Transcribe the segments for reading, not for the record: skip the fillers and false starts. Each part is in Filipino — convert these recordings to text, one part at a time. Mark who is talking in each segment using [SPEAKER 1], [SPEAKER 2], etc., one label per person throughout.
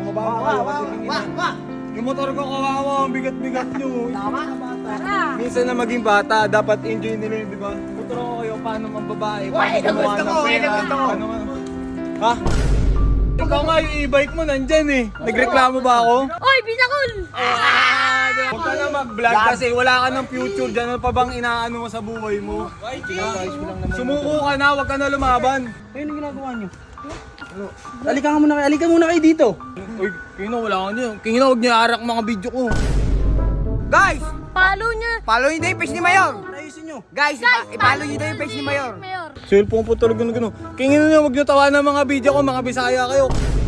[SPEAKER 1] bumaba na kayo kasi yung motor ko kawawa, ang bigat-bigat nyo.
[SPEAKER 2] Tama?
[SPEAKER 1] Minsan na maging bata, dapat enjoy nila yun, di ba? Motor ko kayo, paano mang babae, paano gumawa ng pera, paano man. Ha? Ikaw nga, yung e-bike mo nandyan eh. Nagreklamo ba ako?
[SPEAKER 2] Oy, Bisakol!
[SPEAKER 1] Huwag ka na mag-vlog kasi wala ka ng future dyan. Ano pa bang inaano mo sa buhay mo? Sumuko ka na, huwag ka na lumaban.
[SPEAKER 3] Ayun ang ginagawa nyo. Alika muna kayo dito.
[SPEAKER 1] Uy, Kino, wala ka niyo. Kino, huwag niyo arak mga video ko.
[SPEAKER 4] Guys,
[SPEAKER 2] Follow niya!
[SPEAKER 4] follow niyo daw yung page ni Mayor.
[SPEAKER 3] Ayusin nyo.
[SPEAKER 4] Guys, i-follow niyo daw yung page ni Mayor.
[SPEAKER 1] Cellphone po talaga na gano'n. Kingin niyo, huwag niyo tawanan ng mga video ko, mga Bisaya kayo.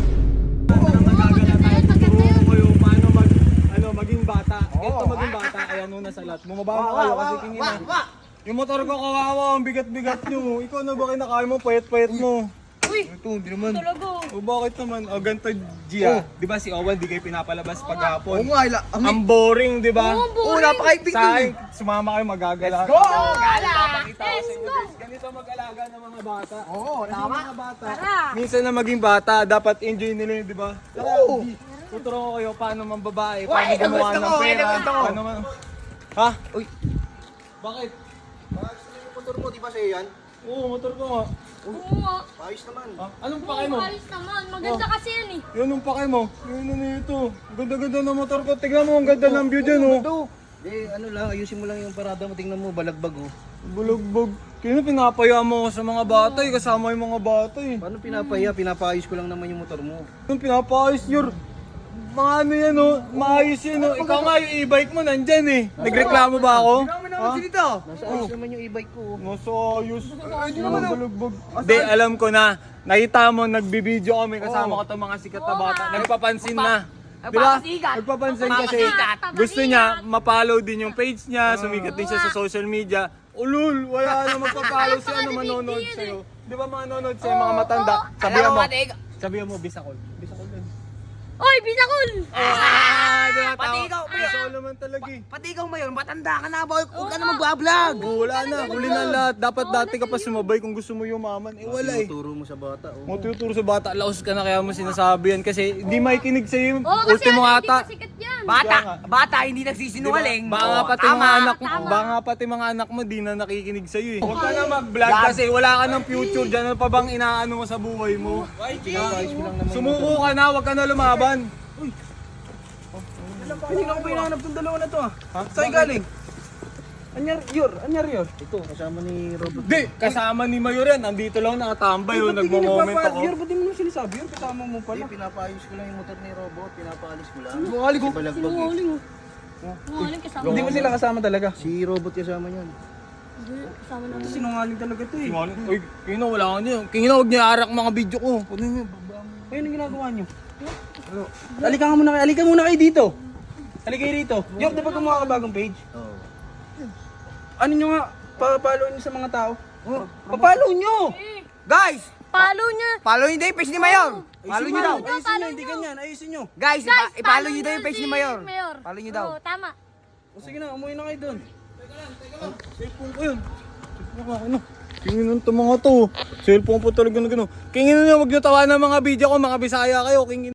[SPEAKER 1] Kayo, paano maging bata. Ito maging bata, kaya nuna sa lahat. Bumaba na kayo kasi kingin na. Yung motor ko kawawa, ang bigat-bigat nyo. Ikaw na ba kinakain mo, payat-payat mo?
[SPEAKER 2] Uy!
[SPEAKER 1] Ito, hindi naman.
[SPEAKER 2] Talaga!
[SPEAKER 1] O bakit naman? O ganito, Gia. Di ba si Owen, di kayo pinapalabas paghapon?
[SPEAKER 4] nga,
[SPEAKER 1] Ang boring, di ba?
[SPEAKER 2] Oo, boring.
[SPEAKER 4] napakaibig
[SPEAKER 1] Sa akin, sumama kayo magagala.
[SPEAKER 4] Let's go!
[SPEAKER 1] Gala! Papakita ko sa inyo,
[SPEAKER 2] go!
[SPEAKER 1] guys. Ganito mag-alaga ng mga bata.
[SPEAKER 4] Oo,
[SPEAKER 1] Kasi
[SPEAKER 4] tama.
[SPEAKER 1] mga bata,
[SPEAKER 2] Tara!
[SPEAKER 1] minsan na maging bata, dapat enjoy nila yun, di ba? Oo! Tuturo ko kayo paano mang babae, paano gumawa
[SPEAKER 4] gusto
[SPEAKER 1] ng
[SPEAKER 4] ko,
[SPEAKER 1] pera,
[SPEAKER 4] gusto ko.
[SPEAKER 1] paano man... Ha?
[SPEAKER 4] Uy.
[SPEAKER 1] Bakit?
[SPEAKER 3] Yung motor mo, di ba sa'yo yan?
[SPEAKER 1] Oo, motor ko nga.
[SPEAKER 2] Oo nga!
[SPEAKER 3] Ayos naman.
[SPEAKER 1] Ha? Anong pake mo?
[SPEAKER 2] Ayos naman! Maganda kasi yan eh!
[SPEAKER 1] Yun ang pake mo. Yun na ito. Ang ganda-ganda ng motor ko. Tignan mo, ang ganda ng view dyan, oh.
[SPEAKER 3] Ano lang, ayusin mo lang yung parada mo. Tingnan mo, balagbag oh.
[SPEAKER 1] Bulugbog. Kaya pinapaya mo ako sa mga bata eh. Kasama yung mga bata eh.
[SPEAKER 3] Paano pinapaya? Pinapaayos ko lang naman yung motor mo.
[SPEAKER 1] Yung pinapaayos yun. Mga ano yan oh. Maayos yan oh. Ikaw nga yung e-bike mo nandyan eh. Nagreklamo ba ako?
[SPEAKER 4] Ano dito?
[SPEAKER 3] Nasa ayos naman yung e-bike ko oh.
[SPEAKER 1] Nasa ayos. Hindi naman bulugbog. Hindi, alam ko na. Nakita mo, nagbibideo kami kasama ko itong mga sikat na bata. Nagpapansin na. Di ba?
[SPEAKER 4] Nagpapasikat.
[SPEAKER 1] Nagpapansin kasi
[SPEAKER 4] Nagpapasikat.
[SPEAKER 1] gusto niya ma-follow din yung page niya, sumikat din siya sa social media. Ulul, wala na magpa-follow siya na manonood sa'yo. Di ba manonood sa'yo mga matanda? Sabihan mo, sabihan mo, Bisakol. Bisakol din.
[SPEAKER 2] Oy, Bisakol!
[SPEAKER 4] Pati ikaw,
[SPEAKER 1] Bisakol naman talaga eh.
[SPEAKER 4] Pati ikaw, Mayor, matanda ka na ba? Huwag ka na mag-vlog.
[SPEAKER 1] Wala na, huli na lahat. Dapat dati ka pa sumabay kung gusto mo yumaman. Eh wala eh.
[SPEAKER 3] Turo mo sa bata oh.
[SPEAKER 1] Mo tuturo sa bata, laos ka na kaya mo sinasabi yan kasi hindi makikinig sa'yo yung
[SPEAKER 2] Oo, kasi
[SPEAKER 1] ultimo
[SPEAKER 2] hindi
[SPEAKER 1] ata.
[SPEAKER 2] pa sikat yan!
[SPEAKER 4] Bata, hindi nagsisinungaling.
[SPEAKER 1] Baka nga pati mga anak mo, baka nga pati mga anak mo di na nakikinig sa iyo eh. Huwag ka na mag-vlog kasi wala ka ng future diyan. Ano pa bang inaano mo sa buhay mo?
[SPEAKER 3] Pinapayos ko lang naman.
[SPEAKER 1] Sumuko ka na, huwag ka na lumaban.
[SPEAKER 3] Hindi na ko pinahanap tong dalawa na to ah. Saan galing? Anyar yor. Ito, kasama ni Robert.
[SPEAKER 1] Di, kasama ni Mayor yan. Nandito lang nakatambay oh, nagmo-moment ako.
[SPEAKER 3] Yor, ba't di mo naman sinasabi? Yor, kasama mo pala. Pinapaayos ko lang yung motor ni Robot. Pinapaalis ko lang.
[SPEAKER 1] Bungali ko.
[SPEAKER 3] Balagbag eh.
[SPEAKER 2] Sinungaling oh! Sinungaling kasama!
[SPEAKER 3] Hindi mo sila kasama talaga? Si Robot kasama niyan.
[SPEAKER 2] Hindi, kasama naman!
[SPEAKER 3] Sinungaling talaga to eh.
[SPEAKER 1] Uy, Kino, wala ka niyo. Kino, huwag niyo arak mga video ko. Kunin niyo, baba mo.
[SPEAKER 3] Ayun ang ginagawa niyo. Alika muna kayo dito. Halika kayo rito. Yor, di ba gumawa ka bagong page? Oo. Ano nyo nga, papalo nyo sa mga tao? Papalo nyo!
[SPEAKER 4] Guys,
[SPEAKER 2] Follow niya!
[SPEAKER 4] follow niyo daw yung page ni Mayor. Follow niyo daw.
[SPEAKER 3] Ayusin nyo, hindi ganyan. Ayusin nyo.
[SPEAKER 4] Guys, i-follow niyo daw yung page ni Mayor.
[SPEAKER 2] Mayor!
[SPEAKER 4] Follow niyo daw.
[SPEAKER 2] Oo, tama!
[SPEAKER 3] O sige na, umuwi na kayo dun.
[SPEAKER 1] Cellphone ko yun. Cellphone ko, ano? Kingin ng mga to. Cellphone po talaga na gano'n. Kingin niyo, huwag niyo tawanan ng mga video ko, mga Bisaya kayo. Kingin